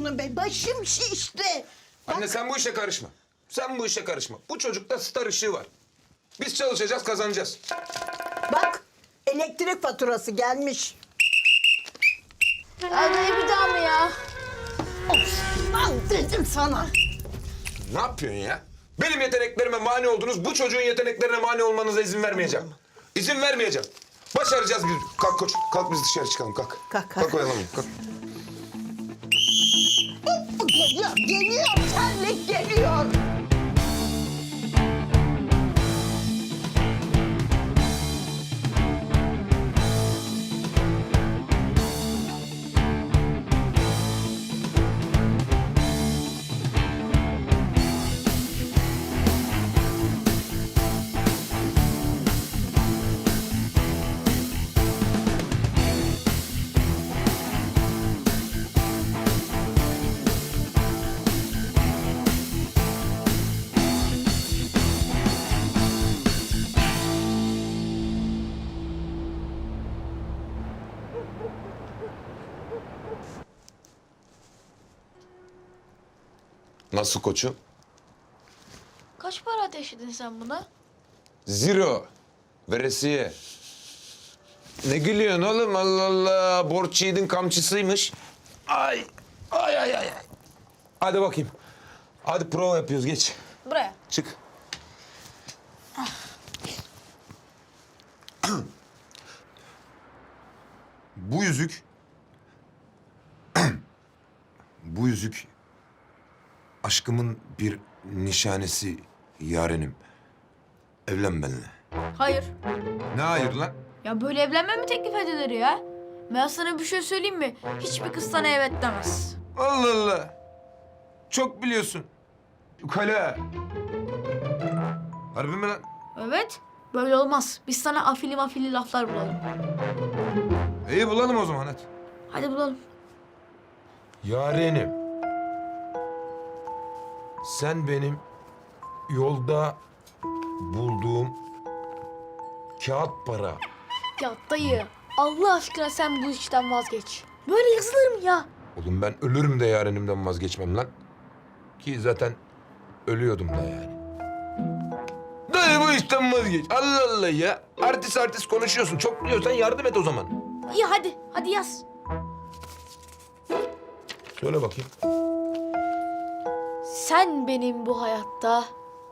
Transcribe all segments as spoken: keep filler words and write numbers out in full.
şunu be. Başım şişti. Anne sen bu işe karışma. Sen bu işe karışma. Bu çocukta star ışığı var. Biz çalışacağız, kazanacağız. Bak elektrik faturası gelmiş. Anne bir daha mı ya? Of lan dedim sana. Ne yapıyorsun ya? Benim yeteneklerime mani oldunuz. Bu çocuğun yeteneklerine mani olmanıza izin vermeyeceğim. İzin vermeyeceğim. Başaracağız biz. Kalk koç. Kalk biz dışarı çıkalım. Kalk. Kalk, kalk. Kalk oyalamayın. Kalk. Geliyor, geliyor. Terlik geliyor. Nasıl koçum? Kaç para ateşledin sen buna? Zero. Veresiye. Ne gülüyorsun oğlum? Allah Allah. Borç yiğidin kamçısıymış. Ay. Ay ay ay. ay. Hadi bakayım. Hadi prova yapıyoruz. Geç. Buraya. Çık. Bu yüzük... Bu yüzük... Aşkımın bir nişanesi yarenim. Evlen benimle. Hayır. Ne hayır lan? Ya böyle evlenme mi teklif edilir ya? Ben sana bir şey söyleyeyim mi? Hiçbir kız sana evet demez. Allah Allah. Çok biliyorsun. Ukala. Harbi mi lan? Evet. Böyle olmaz. Biz sana afili mafili laflar bulalım. İyi bulalım o zaman hadi. Hadi bulalım. Yarenim. Sen benim yolda bulduğum kağıt para. Ya dayı, Allah aşkına sen bu işten vazgeç. Böyle yazılır mı ya? Oğlum ben ölürüm de yarenimden vazgeçmem lan. Ki zaten ölüyordum da yani. Dayı bu işten vazgeç. Allah Allah ya. Artist artist konuşuyorsun. Çok biliyorsan yardım et o zaman. İyi hadi, hadi yaz. Söyle bakayım. Sen benim bu hayatta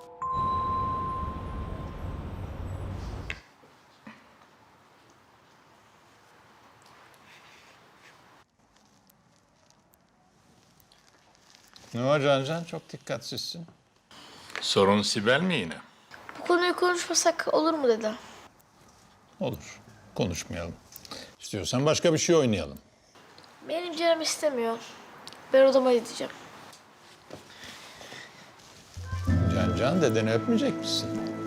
Ne var Cancan? Çok dikkatsizsin. Sorun Sibel mi yine? bu konuyu konuşmasak olur mu dedi. Olur. Konuşmayalım. İstiyorsan başka bir şey oynayalım. Benim canım istemiyor. Ben odama gideceğim. Cancan dedeni öpmeyecek misin?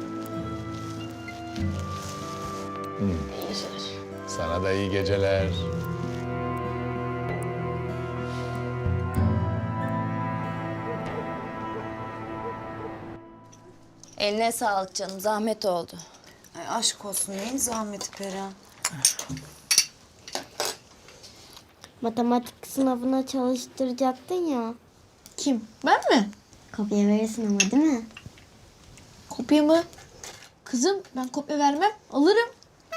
İyi geceler. Sana da iyi geceler. Eline sağlık canım, zahmet oldu. Ay aşk olsun, neyin zahmeti Perihan? Matematik sınavına çalıştıracaktın ya. Kim? Ben mi? Kopya verirsin ama değil mi? Kopya mı? Kızım ben kopya vermem. Alırım.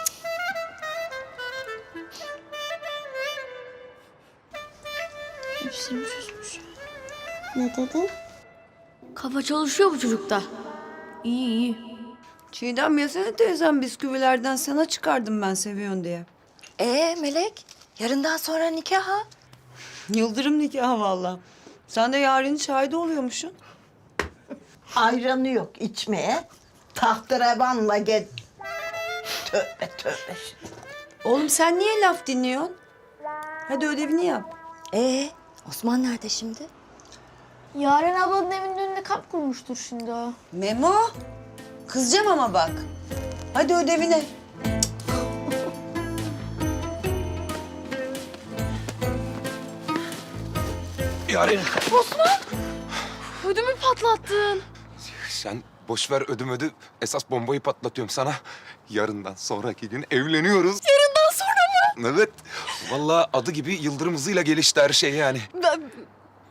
Hepsini çözmüş. Ne dedin? Kafa çalışıyor bu çocukta. İyi iyi. Çiğdem yesene teyzem, bisküvilerden sana çıkardım ben seviyorsun diye. Ee Melek, yarından sonra nikah ha? Yıldırım nikahı vallahi. Sen de Yaren'in şahidi oluyormuşsun. Ayranı yok içmeye. Tahterevanla gel. Tövbe tövbe. Oğlum sen niye laf dinliyorsun? Hadi ödevini yap. Ee, Osman nerede şimdi? Yaren ablanın evinin önünde kamp kurmuştur şimdi o. Memo, kızacağım ama bak. Hadi ödevine. Yaren. Ödümü patlattın. Sen boş ver ödüm ödü. Esas bombayı patlatıyorum sana. Yarından sonraki gün evleniyoruz. Yarından sonra mı? Evet. Vallahi adı gibi yıldırım hızıyla gelişti her şey yani. Ben,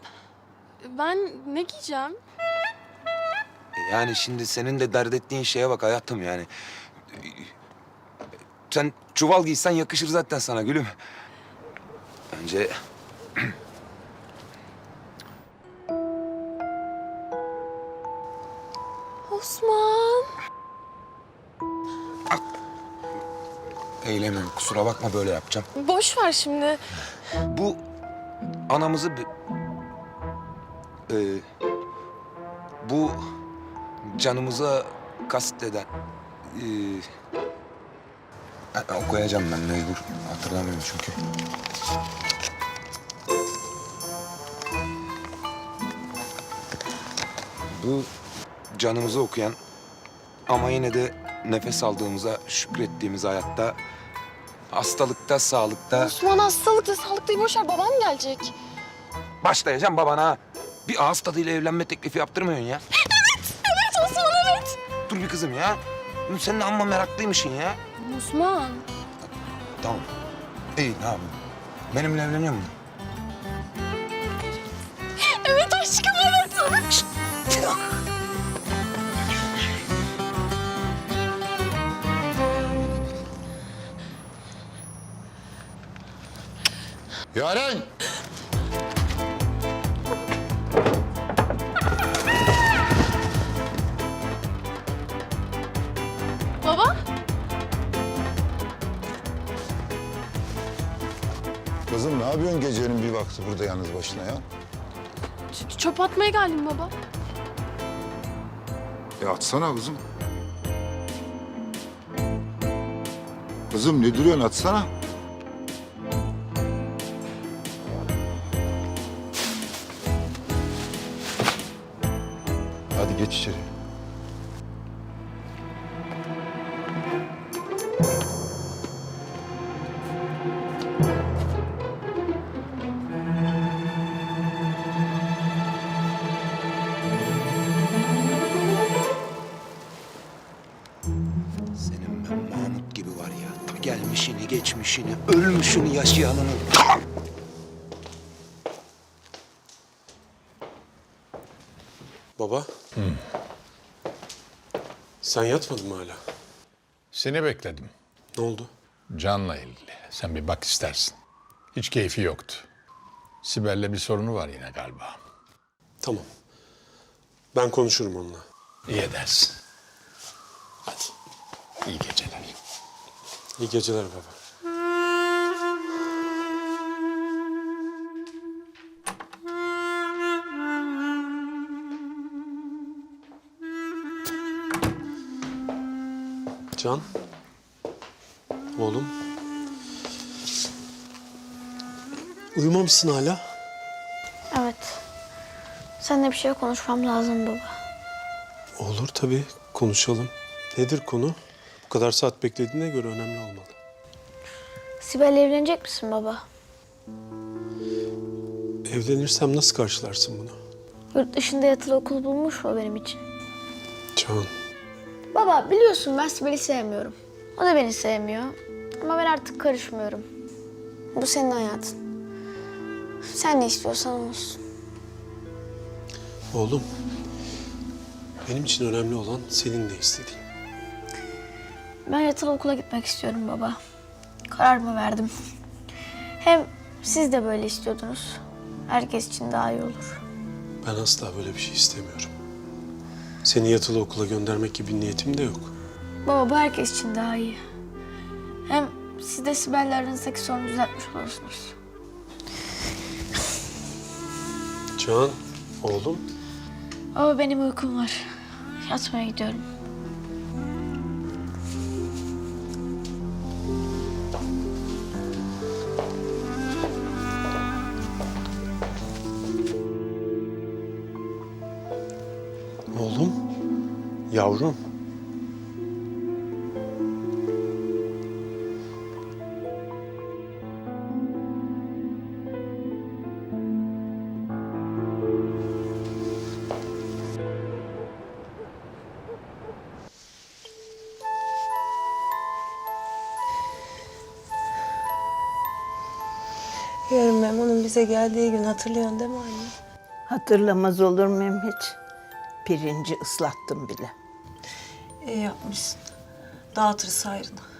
Ben ne giyeceğim? Yani şimdi senin de dert ettiğin şeye bak hayatım yani. Sen çuval giysen yakışır zaten sana gülüm. Bence Osman. eğlemiyorum. Kusura bakma böyle yapacağım. Boş ver şimdi. Bu anamızı... bi- Ee, bu canımıza kasteden... Ee, ha, okuyacağım ben mecbur. Hatırlamıyorum çünkü. Bu canımızı okuyan ama yine de nefes aldığımıza şükrettiğimiz hayatta, hastalıkta, sağlıkta... Osman hastalıklı sağlıklıyı boş ver. Babam gelecek. Başlayacağım babana. Bir ağız tadıyla evlenme teklifi yaptırmıyorsun ya. Evet Osman evet. Dur bir kızım ya. Sen de amma meraklıymışsın ya. Osman. Tamam. İyi ne yapayım? Benimle evleniyor musun? Evet aşkım evet. Yaren! Baba. Kızım ne yapıyorsun gecenin bir vakti burada yalnız başına ya? ç- Çöp atmaya geldim baba. E atsana kızım. Kızım ne duruyorsun atsana. Hadi geç içeri. Senin ben Mahmut gibi var ya. Ta gelmişini, geçmişini, ölmüşünü, yaşayanını. Tamam. Baba. Sen yatmadın mı hala? Seni bekledim. Ne oldu? Can'la ilgili. Sen bir bak istersin. Hiç keyfi yoktu. Sibel'le bir sorunu var yine galiba. Tamam. Ben konuşurum onunla. İyi edersin. Hadi. İyi geceler. İyi geceler baba. Can. Oğlum. Uyumamışsın hala. Evet. Seninle bir şey konuşmam lazım baba. Olur tabii. Konuşalım. Nedir konu? Bu kadar saat beklediğine göre önemli olmalı. Sibel'le evlenecek misin baba? Evlenirsem nasıl karşılarsın bunu? Yurt dışında yatılı okul bulmuş mu benim için? Can. Baba biliyorsun ben Sibel'i sevmiyorum. O da beni sevmiyor. Ama ben artık karışmıyorum. Bu senin hayatın. Sen ne istiyorsan olsun. Oğlum. Benim için önemli olan senin ne istediğin. Ben yatılı okula gitmek istiyorum baba. Kararımı verdim. Hem siz de böyle istiyordunuz. Herkes için daha iyi olur. Ben asla böyle bir şey istemiyorum. Seni yatılı okula göndermek gibi bir niyetim de yok. Baba bu herkes için daha iyi. Hem siz de Sibel'le aranızdaki sorunu düzeltmiş olursunuz. Can, oğlum. Baba benim uykum var. Yatmaya gidiyorum. Oğlum, yavrum. Yarın Memo'nun bize geldiği gün hatırlıyorsun değil mi anne? Hatırlamaz olur muyum hiç? Pirinci ıslattım bile. İyi yapmışsın. Dağıtırız hayrına.